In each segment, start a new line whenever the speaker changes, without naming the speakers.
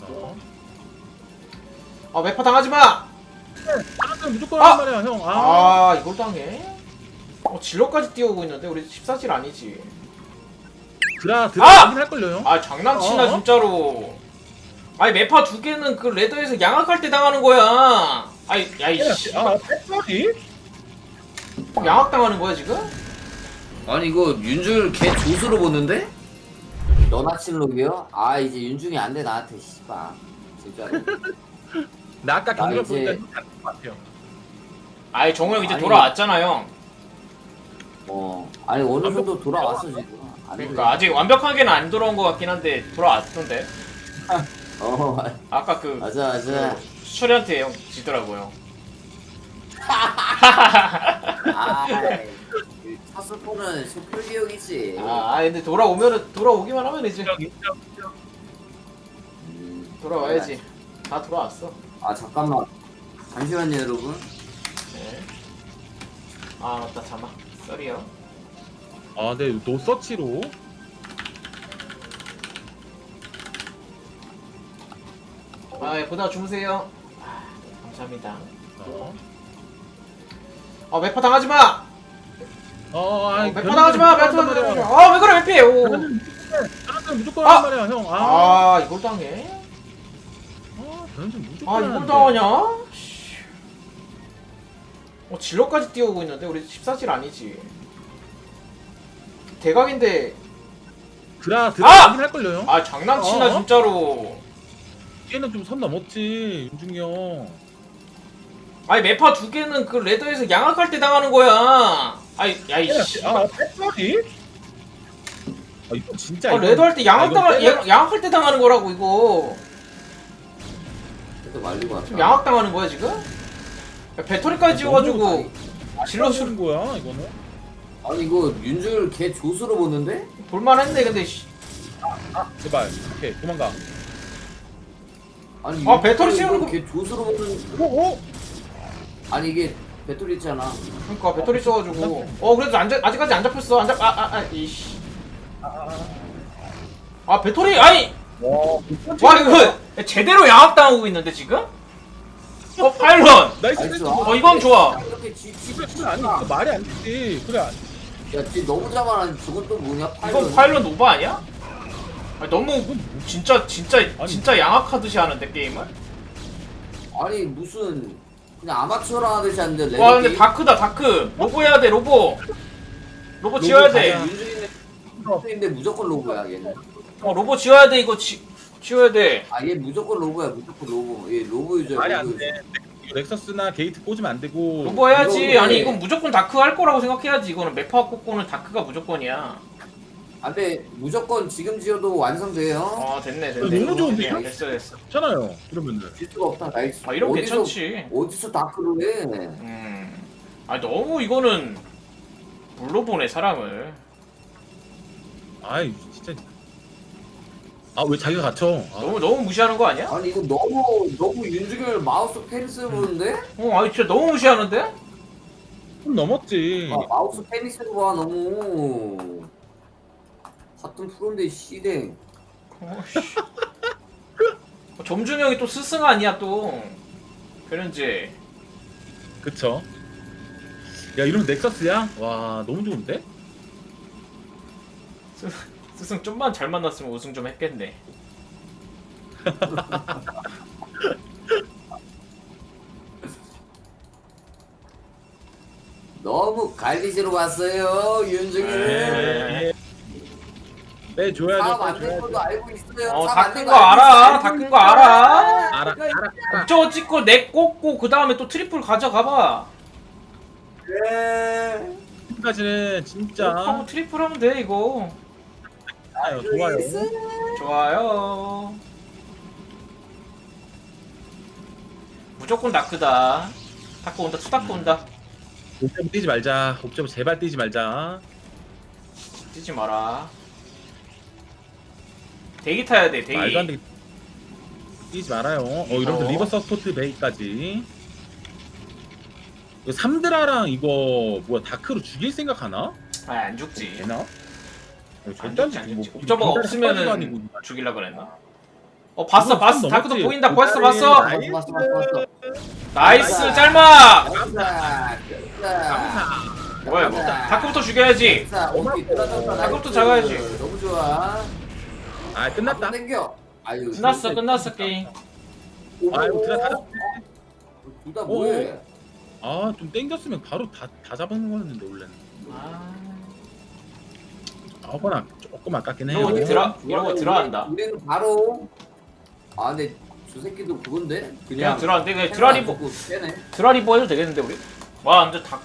아 매파 당하지마!
나는 무조건 한 말이야 형.
아 이걸 당해? 질러까지 뛰어오고 있는데 우리 14질 아니지.
드라
아!
하긴 할걸요 형?
아 장난치나 진짜로. 아니 매파 두 개는 그 레더에서 양악할 때 당하는 거야. 아이 야이씨.
패터리?
양악 당하는 거야 지금?
아니 이거 윤중을 개 조수로 보는데? 너나 칠록이요? 아 이제 윤중이 안 돼 나한테 씨발 진짜로.
나 아까
나
경기를
이제-
보니까 다른 것 같아요.
아이 정우 형 이제
아니.
돌아왔잖아 형.
아니 어느 정도 돌아왔어 지금. 안
그러니까
그래?
아직 완벽하게는 안 돌아온 것 같긴 한데 돌아왔던데. 아까 그
맞아.
수철이한테 형 지더라고요.
첫 스포는 소풀기용이지.
근데 돌아오기만 하면 이제
인정.
돌아와야지. 다 돌아왔어.
아 잠깐만. 잠시만요 여러분.
네. 아 맞다 잠아. 썰이요.
아, 네, 노서치로.
보다 주무세요. 감사합니다. 매파 당하지마! 매파 당하지마! 매파 당하지마! 왜 그래 왜 피해! 오.
나는 무조건 한 말이야 형.
이걸 당해?
나는 무조건
이걸
하는데.
당하냐? 씨. 질러까지 뛰어오고 있는데 우리 14질 아니지. 대각인데
드라
아!
하긴 할걸요 형?
장난치나 진짜로.
얘는 좀 선 넘었지 윤중이 형.
아니 매파 두 개는 그 레더에서 양악할 때 당하는 거야. 야이씨.
패터리? 이거 진짜.
레더 할 때 양악할 때 당하는 거라고 이거.
그래도 말리고 왔다.
지금 양악 당하는 거야 지금? 배터리까지 지워가지고 질러
쓰는 거야 이거는.
아니 이거 윤중을 개 조수로 보는데?
볼만했네 근데.
제발. 오케이 도망가.
아니
배터리 씌우는 거-
개 조수로 보는.
오.
아니 이게 배터리 있잖아.
그러니까 배터리 써가지고. 그래도 아직까지 안 잡혔어. 이씨. 배터리 와 이거 제대로 양악 당하고 있는데 지금? 파일럿.
나이스.
이건 좋아.
이렇게
그래 아니 이거 말이 안 되지. 그래.
야, 쟤 너무 잡아라. 저건 또 뭐냐?
이건 파일럿 오바 아니야? 너무 진짜 양악하듯이 하는데 게임을?
아니 무슨 그냥 아마추어라 하듯이 하는데.
와 근데 다크다 다크. 로보 해야 돼 로보. 로보 지어야 돼.
윤중인데 무조건 로고야 얘는.
로보 지어야 돼 이거 지어야 돼.
얘 무조건 로고야 무조건 로고. 얘 로고 유저.
말이 안 돼. 넥서스나 게이트 꽂으면 안 되고.
로보 해야지.
이거
아니
왜-
이건 무조건 다크 할 거라고 생각해야지. 이거는 매파 꽂고는 다크가 무조건이야.
근데 무조건 지금 지어도 완성돼요.
됐네.
너무 좋은데요?
됐어.
괜찮아요. 이러면은.
질 수가 없다. 나이스.
이러면
어디서-
괜찮지.
어디서 다크를 해?
너무 이거는 물로 보내 사람을.
아이 진짜. 왜 자기가 갇혀?
너무 무시하는 거 아니야?
아니 이거 너무 윤중열 마우스 페니스 보는데?
진짜 너무 무시하는데?
좀 넘었지.
마우스 페니스로 봐 너무. 같은 프로인데 씨댕.
점준형이 또 스승 아니야 또. 그런지.
그쵸. 야 이러면 넥서스야? 와 너무 좋은데?
스승 좀만 잘 만났으면 우승 좀 했겠네.
너무 갈리지로 왔어요 윤중이를.
빼줘야죠.
사업 안된 것도 알고 있어요.
다 큰 거 알아. 다 큰 거 알아.
알아.
저거 찍고 넥 꽂고 그 다음에 또 트리플 가져가봐.
네.
지금까지는 진짜
하고 트리플 하면 돼 이거.
좋아요.
좋아요. 무조건 다크다. 다크 온다. 투다크 온다.
옵저버 뛰지 말자. 옵저버 제발 뛰지 말자.
뛰지 마라. 대기 타야 돼.
말도 안
대기.
되게 뛰지 말아요. 이러면서 리버 서포트 베이까지. 이거 3드라랑 이거 뭐야 다크로 죽일 생각하나?
안 죽지.
되나?
안 죽지. 옵저버가 없으면은 죽일라 그랬나? 봤어
이거
봤어.
선
다크도
넘었지.
보인다. 봤어 봤어.
봤어 봤어 봤어.
나이스 짤막.
감사.
뭐야 이거? 다크부터 죽여야지. 다크부터 잡아야지.
너무 좋아.
아 끝났다.
땡겨. 아유.
끝났어 게임.
아이고 드라 다.
둘다 뭐해?
아좀 땡겼으면 바로 다 잡은 거였는데 원래는. 아거나 조금 아깝긴 해요.
이런 거 들어간다.
우리는 바로. 근데 저 새끼도 그건데.
그냥 들어간대. 그냥 드라리버 해도 되겠는데 우리? 와 완전 다.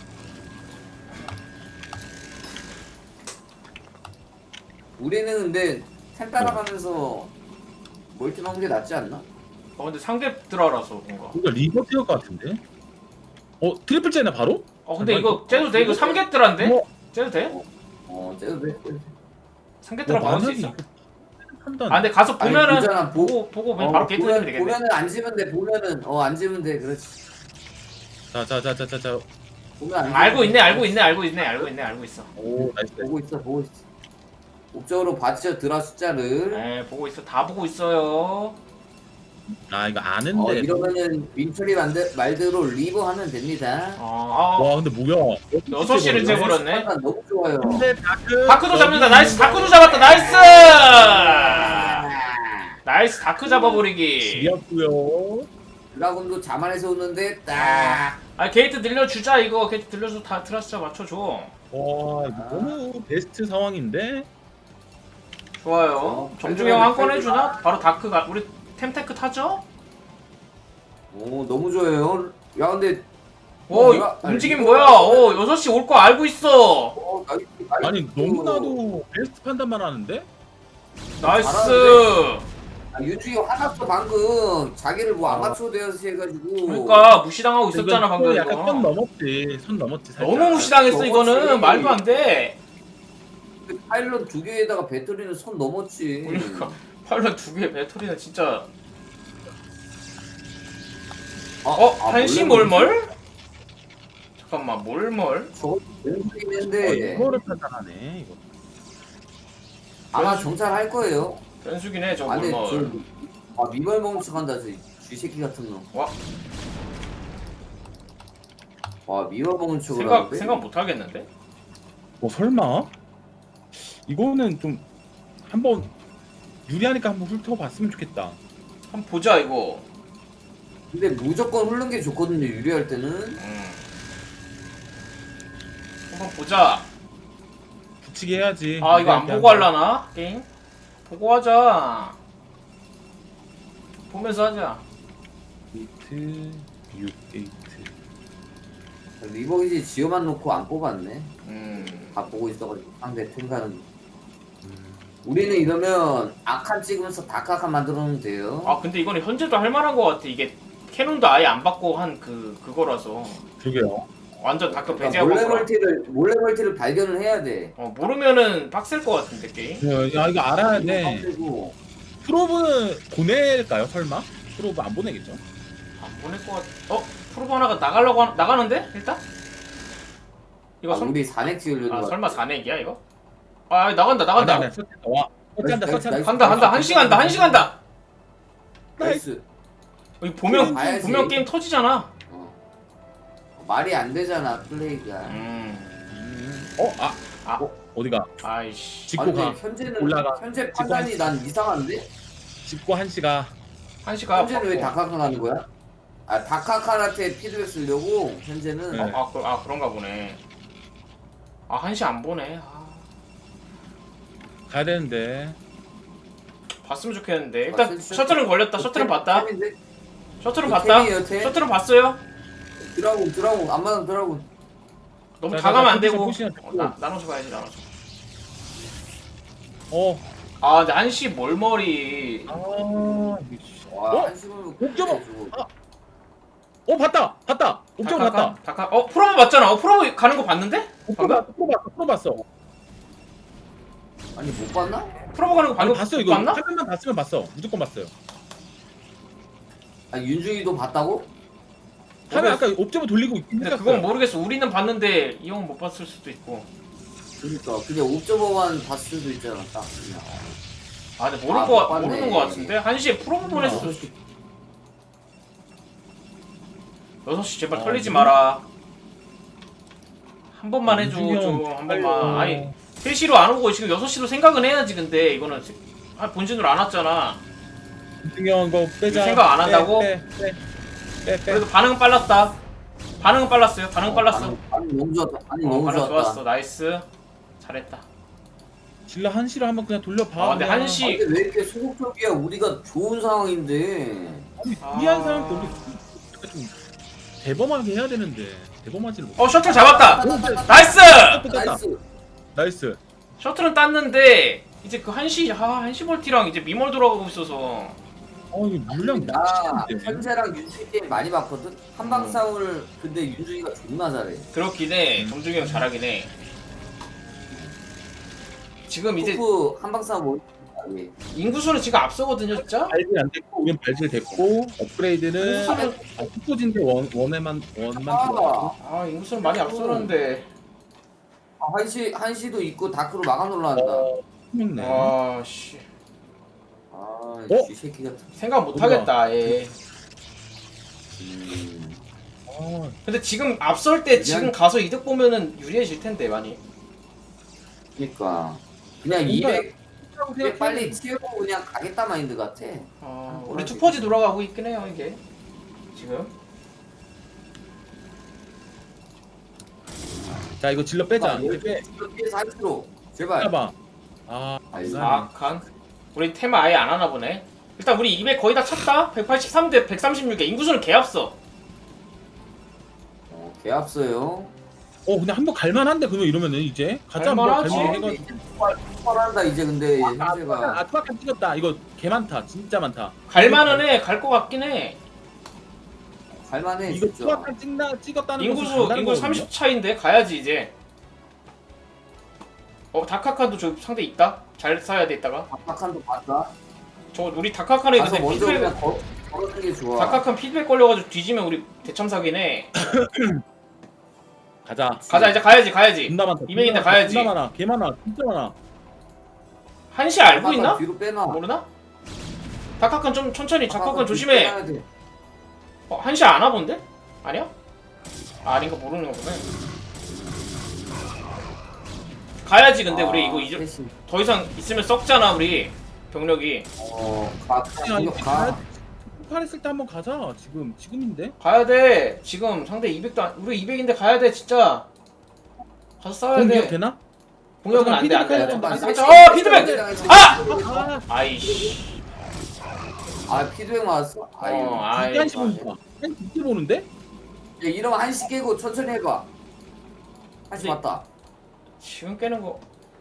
우리는 근데 템 따라가면서 멀티 먹는 게 낫지 않나?
근데 상대 드라라서 뭔가.
이거 리버 티어 것 같은데? 트리플 째나 바로?
근데 이거 째도 돼? 이거 3개 드라인데? 째도 돼?
째도 돼.
3개 드라 막을 수 있어.
판단.
근데 가서 보면은
보잖아,
보고 그냥 바로 게이트 내면 되겠네.
보면은 안 지면 돼. 보면은 안 지면 돼. 그렇지.
자.
보면 안 지면
알고
돼.
있네. 알고 있어.
오 나이스.
보고 있어. 목적으로 봤죠 드라 숫자를.
네, 보고 있어. 다 보고 있어요.
아 이거 아는데.
이러면은 민철이 말대로 리버 하면 됩니다.
와 근데 뭐야?
6시를 재버렸네.
판단 너무 좋아요.
근데
다크도 잡는다. 나이스. 다크도 잡았다. 나이스. 다크 잡아버리기.
지었고요.
드라군도 자만해서 오는데 딱.
게이트 늘려주자 이거. 게이트 늘려서 다 드라스자 맞춰줘.
와 이거 너무 베스트 상황인데.
좋아요. 정중형 한 건 해주나? 바로 다크가 우리 템테크 타죠?
너무 좋아요. 야 근데
움직임 뭐야? 6시 올 거 알고 있어.
아니 너무나도 베스트 판단만 하는데?
나이스.
유주이 화났어 방금. 자기를 뭐 아마추어 되어서 해가지고.
그러니까 무시당하고 있었잖아 방금
약간
이거.
선 넘었지 살짝.
너무 무시당했어
넘었지.
이거는. 말도 안 돼.
파일럿 2개에다가 배터리는 손 넘었지.
그러니까 파일럿 2개 배터리는 진짜. 한시 몰몰? 잠깐만 몰몰?
저거 변수기인데
이거를 판단하네 이거.
아마 정찰할 거예요.
변수긴 해 저
근데
몰몰.
미벌 먹는 척한다 저 쥐새끼 같은 놈. 미벌 먹는 척을 하는데.
생각 못 하겠는데?
설마? 이거는 좀 한번 유리하니까 한번 훑어봤으면 좋겠다.
한번 보자 이거.
근데 무조건 흐른 게 좋거든요 유리할 때는.
한번 보자.
붙이게 해야지.
이거 안 보고 할라나? 게임? 보고 하자. 보면서 하자.
게이트 6게이트.
리버기지 지어만 놓고 안 뽑았네. 다 보고 있어가지고 상대 탱가는. 우리는 이러면 악한 찍으면서 다크한 만들어 놓으면 돼요.
근데 이거는 현재도 할만한 것 같아. 이게 캐논도 아예 안 받고 한 그거라서
그러게요.
완전 다크
그러니까
배제하고
몰래 멀티를 발견을 해야 돼.
모르면은 빡셀 것 같은데 게임.
야 이거 알아야 돼.
빡세고.
프로브는 보낼까요 설마? 프로브 안 보내겠죠?
안 보낼 것 같. 프로브 하나가 나가는데 일단? 이거
우리 4넥 지으려고.
설마 4넥이야 이거? 나간다.
와 서치한다.
간다. 한시 간다.
나이스.
이거 보면 게임 터지잖아.
말이 안 되잖아 플레이가.
어디가?
아이씨.
짚고 가.
현재는
올라가.
현재 판단이 난 이상한데?
짚고 한시가.
한시가.
현재는 왜 다카카 가는 거야? 다카카한테 피드백 쓰려고 현재는.
네.
그런가 보네. 한시 안 보네.
가야 되는데.
봤으면 좋겠는데. 일단
셔틀-
셔틀은 걸렸다. 셔틀은 봤다.
템인데?
셔틀은
템이에요,
봤다.
템.
셔틀은 봤어요.
드라군 안마당 드라군.
너무
자,
다 가면 안
포지션,
되고.
포지션 잡고.
나눠서 봐야지 나눠서. 근데 한시 몰머리.
와 한심을
옥저버! 봤다. 옥점 봤다.
프로브 맞잖아. 프로브 가는 거 봤는데?
프로 봤어.
아니 못 봤나?
프로브 가는 거
아니
방금
봤어 이거.
봤나?
화면만 봤으면 봤어. 무조건 봤어요.
아니 윤중이도 봤다고?
화면 아까 옵저버 돌리고 있긴
근데
했었어요.
그건 모르겠어. 우리는 봤는데 이 형은 못 봤을 수도 있고.
그러니까 그냥 옵저버만 봤을 수도 있잖아 딱 그냥.
아 근데
아,
모르는 거 같은데? 1시에 프로모션 했어. 6시 제발 털리지 마라. 한 번만 해줘 좀 한 번만. 아니 3시로 안 오고 지금 6시로 생각은 해야지. 근데 이거는 본진으로 안 왔잖아.
중요한 거 빼자.
생각 안 한다고?
빼.
그래도 반응은 빨랐다. 반응은 빨랐어요. 반응 빨랐어.
반응 너무 좋았다. 반응 너무
반응
좋았다.
좋았어. 나이스. 잘했다.
질러 한시로 한번 그냥 돌려봐.
근데
그냥.
1시
근데 왜 이렇게 소극적이야? 우리가 좋은 상황인데.
아니 무리한 사람도 우리 약간 좀 대범하게 해야 되는데 대범하지를 못.
셔틀 잡았다. 나이스.
나이스.
나이스.
셔틀은 땄는데 이제 그 1시 볼티랑 이제 미몰 돌아가고 있어서
이거 물량
나
미치겠는데.
현재랑 윤준이 게임 많이 봤거든. 한방 싸움을 근데 윤준이가 존나 잘해.
그렇긴 해. 정중이 형 잘하긴 해. 지금 이제
토프 한방 싸움 뭐 잘해.
인구수는 지금 앞서거든요, 진짜.
발질 안 됐고 우린 발질 됐고 업그레이드는 투포진데 원만 들어가고.
아, 인구수는 많이 앞서는데.
한시도 있고 다크로 막아 놀란다.
힘있네.
아, 씨.
이 새끼 같은.
생각 못 하겠다. 예. 근데 지금 앞설 때 지금 가서 이득 보면은 유리해질 텐데 많이.
그러니까 그냥 200 빨리 치우고 그냥 가겠다 마인드 같아.
우리 투퍼지 돌아가고 있긴 해요, 이게. 지금.
자 이거 질러 빼자. 이거 빼.
피해서 한시로 제발.
빼봐.
칸. 우리 테마 아예 안 하나 보네. 일단 우리 200 거의 다 찼다. 183대 136에 인구수는 개 앞서.
개 앞서요.
근데 한번 갈만한데 그러면 이러면은 이제 가자 한번
갈만하지.
갈만해가지고.
폭발한다 이제 근데 현재가.
아트박한 찍었다. 이거 개 많다. 진짜 많다.
갈만은 해. 갈 것 같긴 해.
갈만해
이거
진짜.
투박한 찍었다는
인구수 30 차인데 가야지 이제. 다카칸도 저 상대 있다. 잘 싸야 돼 이따가.
박한도 봤다.
저 우리 다카칸에
가서
근데
먼저
피드백
그냥 걸어주는 게 좋아.
다카칸 피드백 걸려가지고 뒤지면 우리 대참사기네.
가자.
가자 이제 가야지.
존나 많다.
200인데 가야지.
존나 많아. 개 많아. 진짜 많아.
1시 알고 있나?
뒤로 빼놔.
모르나? 다카칸 좀 천천히. 다카칸
뒤로
조심해.
빼놔야 돼.
1시 안 와본데? 아니야? 아닌가 모르는 거구나. 가야지. 근데 우리 이거 이제
셋이.
더 이상 있으면 썩잖아 우리 병력이.
그냥 가.
폭발했을 때 한번 가자. 지금인데.
가야 돼. 지금 상대 200도 우리 200인데 가야 돼 진짜. 가서 싸워야
공격
돼.
되나?
공격은 안 돼. 안 돼.
피드백.
피드백. 아! 아이씨.
피드백 맞았어?
이게 한시 보니까. 한시 이렇게 보는데?
야, 이러면 한시 깨고 천천히 해봐. 한시
근데-
맞다.
지금 깨는 거.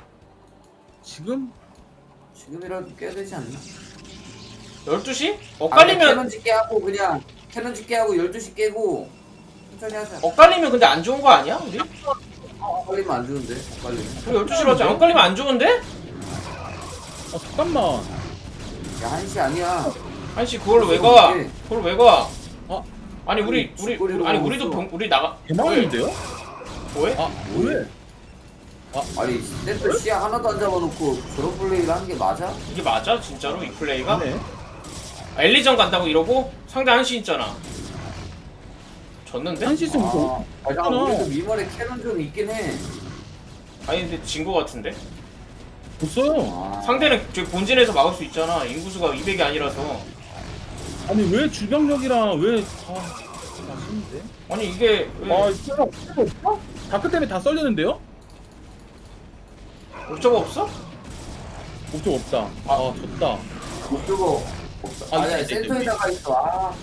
지금이라도 깨야 되지 않나?
12시? 엇갈리면
캐논 짓게 하고 그냥 캐논 짓게 하고 12시 깨고 천천히 하자.
엇갈리면 근데 안 좋은 거 아니야? 우리?
엇갈리면 안 좋은데. 엇갈리면.
우리 12시로 하자. 엇갈리면 안 좋은데?
잠깐만.
야, 한시 아니야.
한시 그걸 왜 가?
어떡해.
그걸 왜 가? 아니
아니, 뒷거리로
아니
가고
우리도
있어.
우리 나가.
개망인데요?
왜?
왜?
아니 센터 시야 하나도 안 잡아놓고 저런 플레이를 하는 게 맞아?
이게 맞아? 진짜로 이 플레이가?
네.
엘리전 간다고 이러고 상대 한시 있잖아. 졌는데?
한시 있으면 또
잠깐 우리도 미멀에 캐논 좀 있긴 해.
아니 근데 진 거 같은데?
없어요.
상대는 저기 본진에서 막을 수 있잖아. 인구수가 200이 아니라서.
아니 왜 주병력이랑 왜 아쉬운데?
아니 이게 왜
이거 없어? 다크 때문에 다 썰리는데요?
옵저버 없어?
목적 없다. 졌다.
목표가 없어. 아니야
있다,
센터에다가 있어.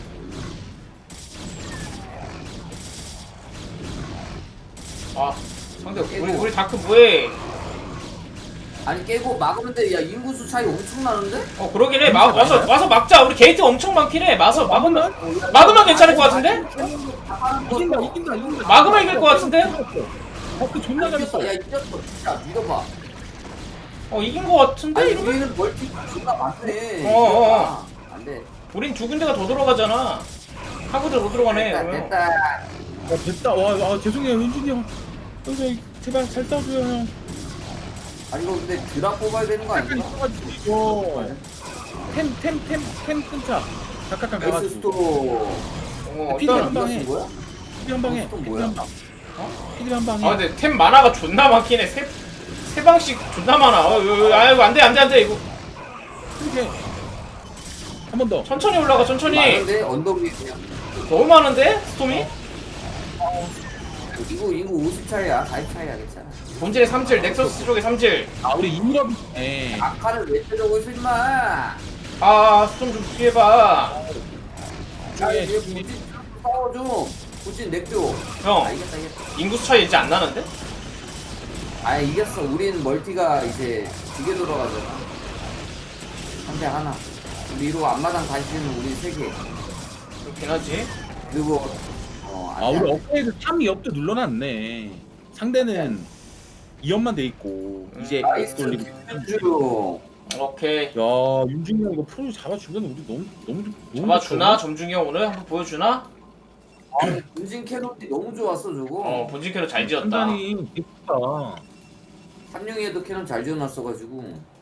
상대 우리 다크 뭐해?
아니 깨고 막으면 돼. 야 인구수 차이 엄청 나는데?
그러긴 해. 와서 막자. 우리 게이트 엄청 많긴 해. 막으면 괜찮을 것 같은데?
이긴다.
막으면 이길 것 같은데?
다크 존나 잘했어.
야 이겼어. 진짜 믿어봐.
이긴 것 같은데?
아니
이러면?
우리는 멀티 존나 많네. 안 돼.
우린 두 군데가 더 들어가잖아. 한 군데 더 들어가네. 그러면.
됐다.
됐다. 죄송해요 현준이 형. 형님 제발 잘 싸줘요 형.
아니 이거 근데 드랍 뽑아야 되는 거
약간
아닌가?
있어가지고 이거 템 끊자. 각각 가가지고.
엑스스토
피디 한
일단
방에.
쓴 거야?
피디 한 방에.
또
피디
뭐야?
한 방. 피디 한 방에.
아 근데 템 만화가 존나 많긴 해. 세 방씩 존나 많아. 아이고 안돼 이거.
이렇게 한 번 더.
천천히 올라가 천천히.
많은데 언덕 위에 그냥
너무 많은데 스톰이?
이거 50 차이야 40 차이야 괜찮아.
본질의 3질 넥서스 쪽에 3질.
아 우리 인럽. 예.
아카를 왜 때려고 있어 임마.
아 스톰 좀 피해봐.
야 얘 부진 싸워줘. 부진 넥줘.
형
아 이겼다.
인구수 차이 이제 안 나는데?
아 이겼어. 우린 멀티가 이제 2개 돌아가잖아. 한대 하나. 위로 앞마당 다시는 우리 3개.
그렇긴 하지.
그리고
아 우리 업그레이드 3, 2업도 눌러놨네. 상대는 2업만 돼 있고 이제
나이스
돌리고.
주.
오케이.
야 윤중이 형 이거 프로 잡아주면 우리 너무
잡아주나? 점중이 형 오늘 한번 보여주나?
본진 캐논이 너무 좋았어 저거.
본진 캐로 잘 지었다.
판단이 예쁘다.
삼룡이에도 캐논 잘 지어놨어가지고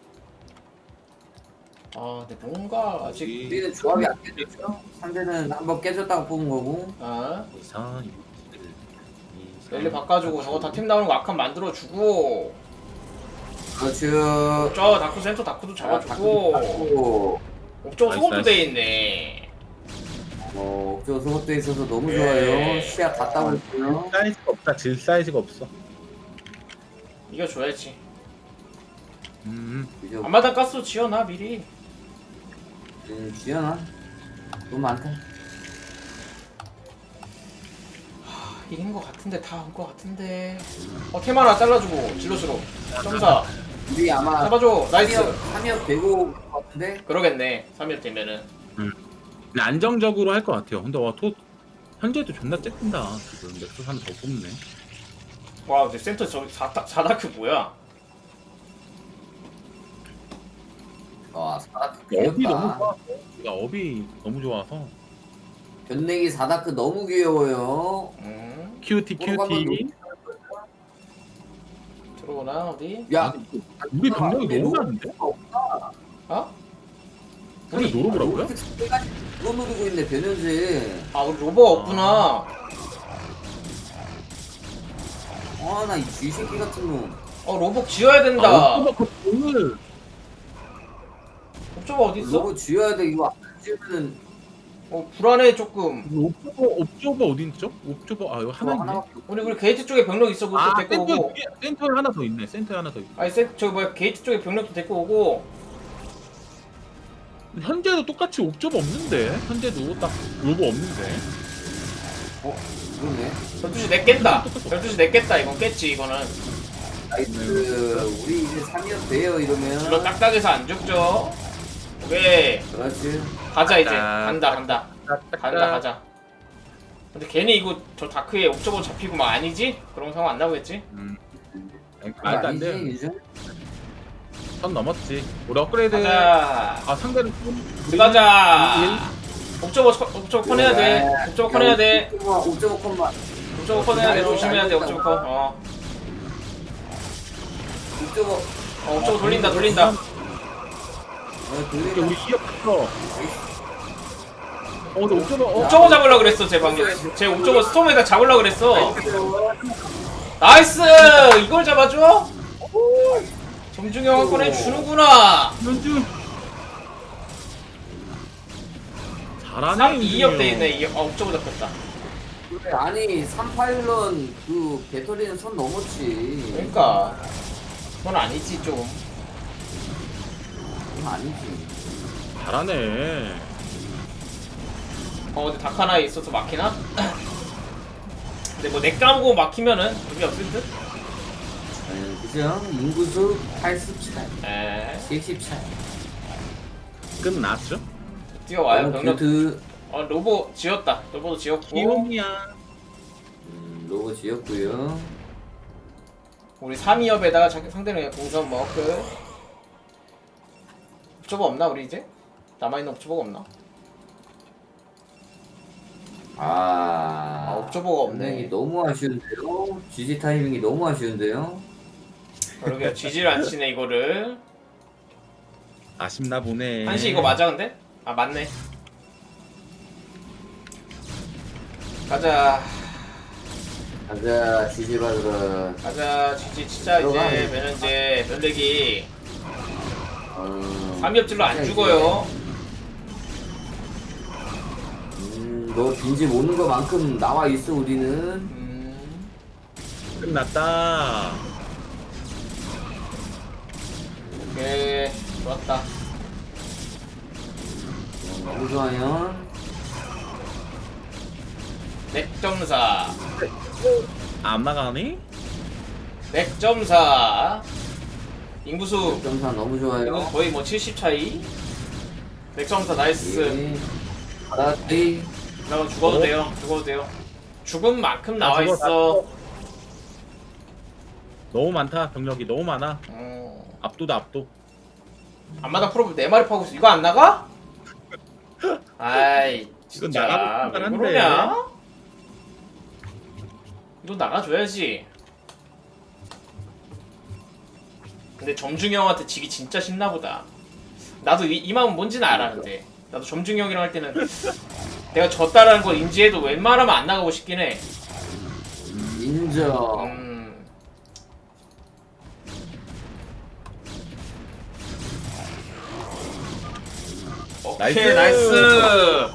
아 근데 뭔가 아직
우리는 조합이 안 깨졌죠? 상대는 한번 깨졌다고 뽑은 거고.
이상
랠리 바꿔주고 저거 다 팀 나오는 거 악한 만들어주고
그렇죠.
저 다크 센터 다크도 잡아주고
잡고
옥저우
나이스,
소금도
나이스.
돼 있네.
저 소속돼 있어서 너무
예.
좋아요. 시야 다 따고 있고요.
사이즈가 없다. 질 사이즈가 없어.
이겨줘야지.
그죠?
앞마당 가스 지어놔 미리.
지연아 너무 많다.
이긴 거 같은데 다 온 거 같은데. 템 하나 잘라주고 질러주로 점사
우리 아마
잡아줘. 나이스.
3역 되고 올 것 같은데.
그러겠네 3일 되면은.
근데 안정적으로 할 것 같아요. 근데 현재도 존나 쬐끈다. 지금 넥서스 하나 더 뽑네.
와 근데 센터 저 4다크 뭐야.
사다크
업이 너무
귀엽다.
좋아서. 업이 너무 좋아서.
변내기 사다크 너무 귀여워요.
큐티.
들어오나 어디?
야
우리 병력이
근데
너무
너-
많은데?
어?
우리 노려보라고요?
그거 노리고 있네 변현재.
아 우리 로버가 없구나.
아나이 쥐새끼 같은 놈.
로봇 지어야 된다.
오늘
옵저버 어디 있어?
로봇 쥐어야 돼. 이거 안 지으면은
불안해 조금.
옵저버 어디 있죠? 옵저버 이거 하나 있네.
하나밖에
우리 게이트 쪽에 병력 있어. 그것도 데리고 오고.
센터에 하나 더 있네. 센터에 하나 더 있네.
아니 저기 뭐야 게이트 쪽에 병력도 데리고 오고.
현재도 똑같이 옵저버 없는데. 현재도 딱 로버 없는데.
그러네.
12시 냈겠다. 12시 냈겠다. 이건 깼지 이거는.
나이스. 우리 이제 3역 돼요 이러면.
질러 딱딱해서 안 죽죠. 오케이.
그렇지.
가자 이제.
아,
간다. 가자. 근데 괜히 이거 저 다크에 옵저버 잡히고 막 아니지? 그런 상황 안 나오겠지?
말도 안 돼. 선 넘었지. 우리 업그레이드.
가자.
상대는
들어가자. 옵저버 커내야 돼. 옵저버 커내야 돼.
옵저버 컷만.
옵저버 커내야 돼. 조심해야 돼. 옵저버 커.
옵저버.
옵저버 돌린다.
돌린다.
우리 기업 갔어. 근데 옵저버
옵저버 잡으려고 그랬어. 제 방금. 제 옵저버 스톰에다 잡으려고 그랬어. 나이스! 이걸 잡아줘? 점중형 한 건 해주는구나.
연주 잘하네.
3, 2업 돼있네. 옵저버 잡혔다.
그래, 아니 3파일런 그 배터리는 선 넘었지.
그러니까 그건 아니지 좀.
그건 아니지.
잘하네.
근데 다카나에 있어서 막히나? 근데 뭐 넥 까고 막히면은 의미 없을 듯?
그죠? 인구수 80 차이.
에
70 차이.
끝났죠?
뛰어와요 병력.
그
로보 지었다. 로보도 지었고.
기용이야.
로고 지었고요.
우리 3위업에다가 상대는 공선 먹을. 옵저버 없나 우리 이제? 남아있는 옵저버가 없나?
아
옵저버가 없네.
너무 아쉬운데요. GG 타이밍이 너무 아쉬운데요.
그러게 지질 안 치네 이거를.
아쉽나 보네.
한시 이거 맞아 근데? 아 맞네. 가자.
가자 지지 받으러.
가자 지지 치자 이제 면현재 면대기. 3엽질로 안 죽어요.
너 빈집 오는 거만큼 나와 있어 우리는.
끝났다.
오케이 좋았다.
너무 좋아요.
넥점사.
안 나가니?
넥점사. 인구수
점사 너무 좋아요.
이건 거의 뭐 70 차이. 넥점사 나이스.
알았지.
나 죽어도 돼요. 죽어도 돼요. 죽은 만큼 나와 있어.
너무 많다. 병력이 너무 많아. 압도다 압도.
안마다 프로브 4마리 파고 있어. 이거 안 나가? 아이
이건
진짜
나가고
왜
싶긴
그러냐? 이거 나가줘야지. 근데 점중이 형한테 지기 진짜 신나보다. 나도 이 마음 뭔지는 알아. 근데 나도 점중이 형이랑 할 때는 내가 졌다라는 걸 인지해도 웬만하면 안 나가고 싶긴 해.
인정.
오케이
나이스.
나이스.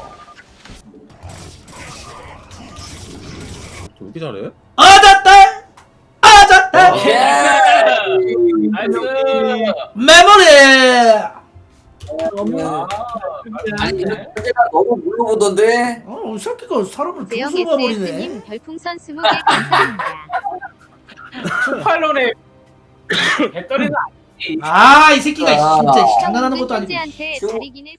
왜 이렇게 잘해?
아졌다! 아졌다!
오케이 나이스. 나이스.
메모리!
아니 현재가 너무 물러보던데.
이 새끼가 사람을
대형
죽수가 버리네.
SF님 별풍선 20개 감사합니다.
투팔론에 배터리는 아니지.
이 새끼가 진짜 장난하는 것도 아니고.
현재한테
쇼.
다리기는